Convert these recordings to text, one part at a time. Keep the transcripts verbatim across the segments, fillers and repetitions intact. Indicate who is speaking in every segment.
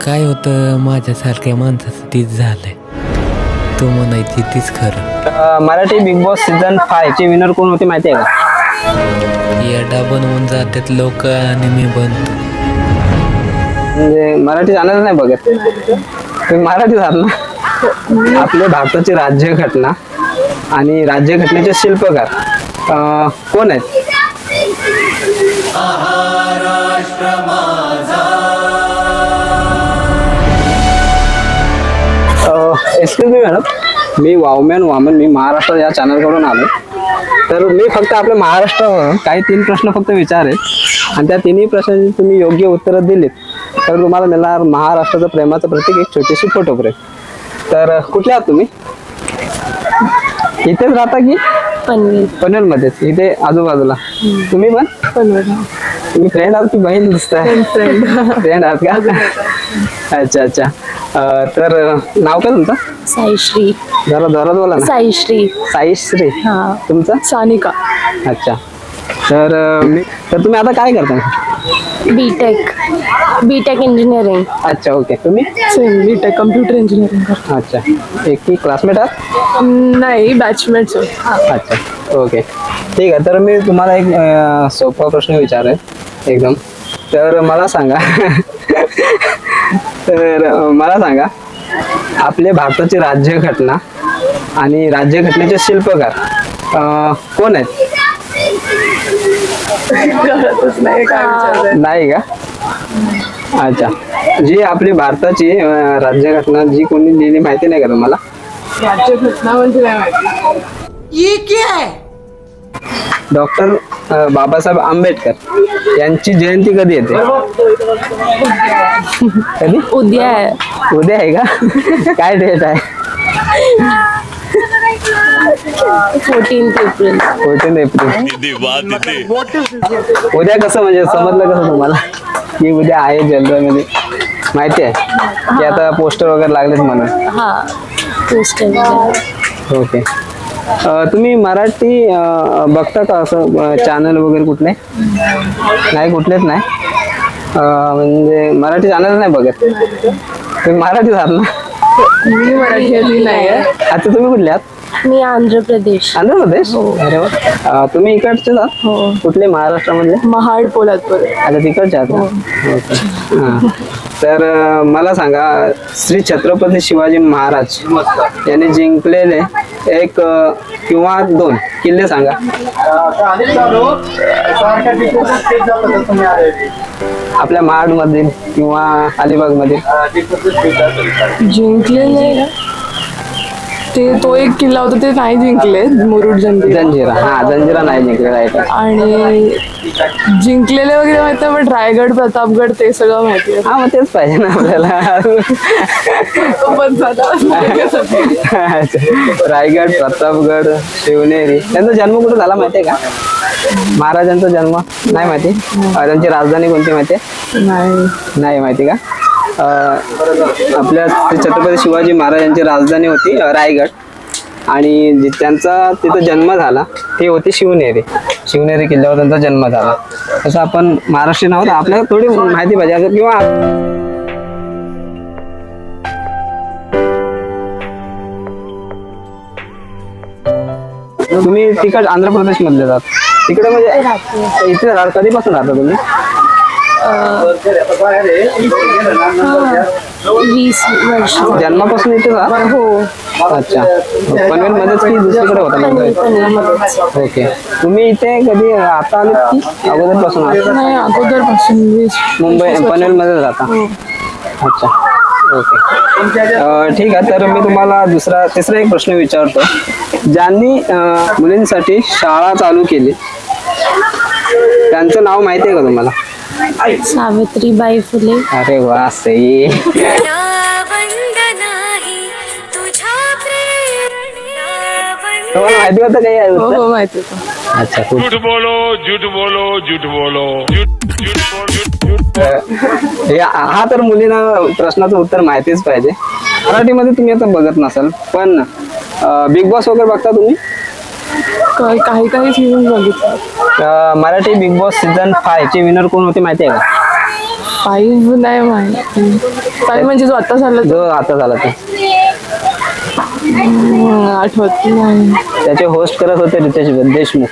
Speaker 1: काय होतं माझ्यासारख्या माणसाचं तीच झालंय. तू म्हणायची तीच खरं.
Speaker 2: अं, Marathi big boss season five चे विनर कोण होते माहिती आहे का?
Speaker 1: येडा बनवून जातात लोक आणि मी बनतो.
Speaker 2: म्हणजे मराठी जाणार नाही बघत तुम्ही. मराठी झालं ना. आपल्या भारताची राज्यघटना आणि राज्यघटनेचे शिल्पकार अं, कोण आहेत? एक्सक्यूज मी मॅडम, मी वावमॅन वामन, मी महाराष्ट्र या चॅनलकडून आलो. तर मी फक्त आपल्या महाराष्ट्रावर काही तीन प्रश्न फक्त विचारेल आणि त्या तिन्ही प्रश्नांची तुम्ही योग्य उत्तरं दिलीत तर तुम्हाला मिळणार महाराष्ट्राचं प्रेमाचं प्रतीक एक छोटीशी फोटो फ्रेम. तर कुठले आहात तुम्ही? इथेच राहता की
Speaker 3: पनवेल
Speaker 2: पनवेलमध्येच? इथे आजूबाजूला. तुम्ही पण
Speaker 3: पनवेल
Speaker 2: तुम्ही फ्रेंड आहात की बहीण दिसताय?
Speaker 3: फ्रेंड
Speaker 2: फ्रेंड आहात का? अच्छा अच्छा. अं, तर नाव काय तुमचं?
Speaker 3: साईश्री.
Speaker 2: जरा जोरात बोला ना.
Speaker 3: साईश्री.
Speaker 2: साईश्री.
Speaker 3: हा.
Speaker 2: तुमचं?
Speaker 3: सानिका.
Speaker 2: अच्छा. तर अं, मी तर तुम्ही आता काय करता?
Speaker 3: बीटेक. BTech engineering.
Speaker 2: अच्छा ओके. तुम्ही?
Speaker 3: सेम बीटेक कम्प्युटर इंजिनिअरिंग करतो.
Speaker 2: अच्छा. एक की क्लासमेट आहात?
Speaker 3: नाही बॅचमेट्स.
Speaker 2: अच्छा ओके ठीक आहे. तर मी तुम्हाला एक अं, सोपा प्रश्न विचारेल एकदम. तर मला सांगा तर अं, मला सांगा आपल्या भारताची राज्यघटना आणि राज्यघटनेचे शिल्पकार अं, कोण आहेत? नाही का? अच्छा. जी आपली भारताची अं, राज्यघटना जी कोणी लिहिली माहिती नाही का तुम्हाला?
Speaker 3: राज्यघटना म्हणजे काय माहिती?
Speaker 2: डॉक्टर बाबासाहेब आंबेडकर यांची जयंती कधी येते? कधी?
Speaker 3: उद्या आहे.
Speaker 2: उद्या आहे का? काय डेट आहे?
Speaker 3: Fourteenth April.
Speaker 2: Fourteen April. उद्या कसं म्हणजे समजलं कसं तुम्हाला की उद्या आहे जनरलमध्ये? माहिती आहे की आता पोस्टर वगैरे लागलेत म्हणून?
Speaker 3: हा पोस्टर.
Speaker 2: ओके. अं, तुम्ही मराठी अं, बघता का असं चॅनल वगैरे कुठले? नाही कुठलेच नाही. अं, म्हणजे मराठी चॅनल नाही बघत तुम्ही? मराठी झालं ना.
Speaker 3: मी मराठी नाही आहे.
Speaker 2: आता तुम्ही कुठले आहात?
Speaker 3: मी आंध्र प्रदेश.
Speaker 2: आंध्र प्रदेश? अरे वा. अं, तुम्ही इकडचे आहात?
Speaker 3: हो.
Speaker 2: कुठले महाराष्ट्रामधले?
Speaker 3: महाड पोलादपूर.
Speaker 2: आता तिकडचे आहात का? ओके. हां. तर अं, मला सांगा श्री छत्रपती शिवाजी महाराज यांनी जिंकलेले एक अं, किंवा दोन किल्ले सांगा. आपल्या महाड मधील किंवा अलिबाग मधील.
Speaker 3: जिंकलेले ते तो एक किल्ला होता ते नाही जिंकले. मुरुड जंजिरा.
Speaker 2: जंजिरा. हा जंजिरा नाही जिंकले. राईट.
Speaker 3: आणि जिंकलेले वगैरे माहिती आहे पण रायगड प्रतापगड ते सगळं माहिती आहे.
Speaker 2: हा मग तेच पाहिजे ना आपल्याला.
Speaker 3: तो पण झाला.
Speaker 2: रायगड, प्रतापगड, शिवनेरी. त्यांचा जन्म कुठे झाला माहितीये का? महाराजांचा जन्म नाही माहिती? त्यांची राजधानी कोणती माहितीये?
Speaker 3: नाही.
Speaker 2: नाही माहिती का? अं, आपल्या श्री छत्रपती शिवाजी महाराजांची राजधानी होती अं, रायगड. आणि जे त्यांचा तिथं जन्म झाला ते होती शिवनेरी. शिवनेरी किल्ल्यावर त्यांचा जन्म झाला. तसं आपण महाराष्ट्रीयन आहोत, आपल्याला थोडी माहिती पाहिजे किंवा तुम्ही तिकड आंध्र प्रदेश मधले जात तिकडे म्हणजे इथे राह- कधीपासून राहता तुम्ही?
Speaker 3: वीस वर्ष.
Speaker 2: जन्मापासून इथे राहता?
Speaker 3: हो.
Speaker 2: अच्छा. पनवेल मध्येच की दुसरीकडे होता?
Speaker 3: पनवेल.
Speaker 2: ओके. तुम्ही इथे कधी आता आले की अगोदर पासून आहात?
Speaker 3: नाही अगोदर पासून वीस.
Speaker 2: मुंबई पनवेल मध्येच राहता? अच्छा ओके. अं, ठीक आहे. तर मी तुम्हाला दुसरा तिसरा एक प्रश्न विचारतो. ज्यांनी अं, मुलींसाठी शाळा चालू केली त्यांचं नाव माहिती आहे का तुम्हाला?
Speaker 3: सावित्रीबाई फुले.
Speaker 2: अरे वा सही. तुम्हाला माहिती होतं काही?
Speaker 3: हो हो माहिती होतं.
Speaker 2: अच्छा खूप.
Speaker 4: झूठ बोलो झूठ बोलो झूठ बोलो झूठ झूठ बोल झूठ
Speaker 2: हे हा तर मुलींना प्रश्नाचं उत्तर माहितीच पाहिजे. मराठीमध्ये तुम्ही आता बघत नसाल पण बिग बॉस वगैरे बघता तुम्ही?
Speaker 3: काही काही काही सीझन बघितलं.
Speaker 2: अं, Marathi big boss season five चे विनर कोण होते माहिती आहे का?
Speaker 3: फाईव्ह नाही माहिती. फाईव्ह म्हणजे जो आता झाला तो
Speaker 2: जो आता झाला तो
Speaker 3: हम्म, आठवत नाही.
Speaker 2: त्याचे होस्ट करत होते रितेश देशमुख.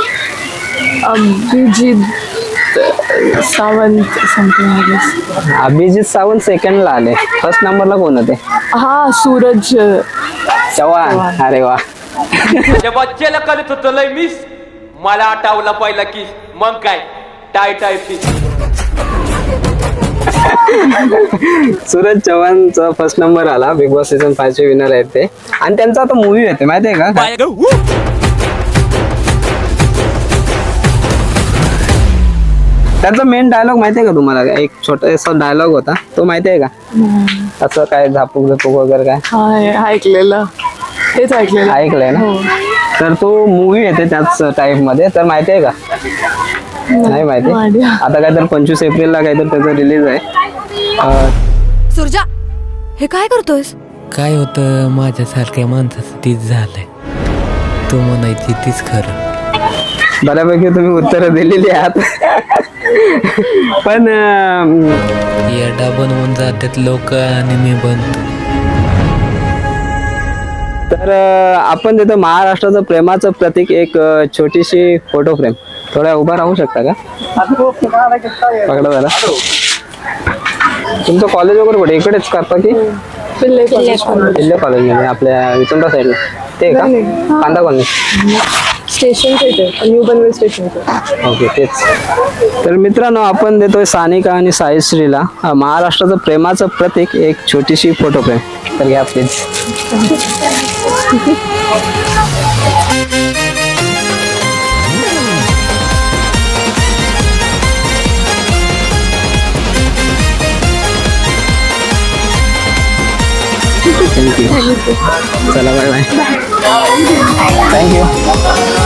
Speaker 3: अभिजित सावंत समथिंग.
Speaker 2: अभिजित सावंत सेकंडला आले. फर्स्ट नंबरला कोण होते?
Speaker 3: हा सूरज
Speaker 2: चव्हाण. अरे वा.
Speaker 5: त्या बच्चेला करत होतं लय मिस. मला आठवला पहिला की मग काय टाय टाय फिश.
Speaker 2: सूरज चव्हाणचा फर्स्ट नंबर आला. बिग बॉस सीझन फाय चे विनर आहेत ते. आणि त्यांचा आता मूवी येते माहितीये का? त्यांचा मेन डायलॉग माहितीये का तुम्हाला? एक छोटासा डायलॉग होता तो माहितीये का? असं काय झापूक झपूक वगैरे काय
Speaker 3: हा हे ऐकलेलं तेच ऐकलेलं
Speaker 2: ऐकलंय ना?
Speaker 3: हो.
Speaker 2: तर तो मूवी येते त्याच टाईप मध्ये. तर माहितीये का? नाही माहिती.
Speaker 3: माहिती.
Speaker 2: आता काय तर पंचवीस एप्रिलला काहीतरी त्याचं रिलीज आहे. अं,
Speaker 6: सुरजा हे काय करतोयस?
Speaker 1: काय होतं माझ्यासारख्या माणसाचं तीच झालंय. तू म्हणायची तीच खरं.
Speaker 2: बऱ्यापैकी तुम्ही उत्तरं दिलेली आहात. पण अं,
Speaker 1: येडा बनवून जातात लोक आणि मी बनतो.
Speaker 2: तर अं, आपण तिथं महाराष्ट्राचं प्रेमाचं प्रतीक एक अं, छोटीशी फोटो फ्रेम. थोड्या उभा राहू शकता का? पकडा जरा. तुमचं कॉलेज वगैरे कुठे इकडेच करता की
Speaker 3: पिल्ले कॉलेज.
Speaker 2: जिल्हा कॉलेजमध्ये आपल्या विचंडा साईडला ते का? Kanda colony.
Speaker 3: Station new Panvel station.
Speaker 2: Okay तेच. तर मित्रांनो आपण देतोय सानिका आणि साईश्रीला अं, महाराष्ट्राचं प्रेमाचं प्रतीक एक छोटीशी फोटो फ्रेम. तर घ्या प्लीज. थँक्यू. चला बाय बाय. थँक्यू.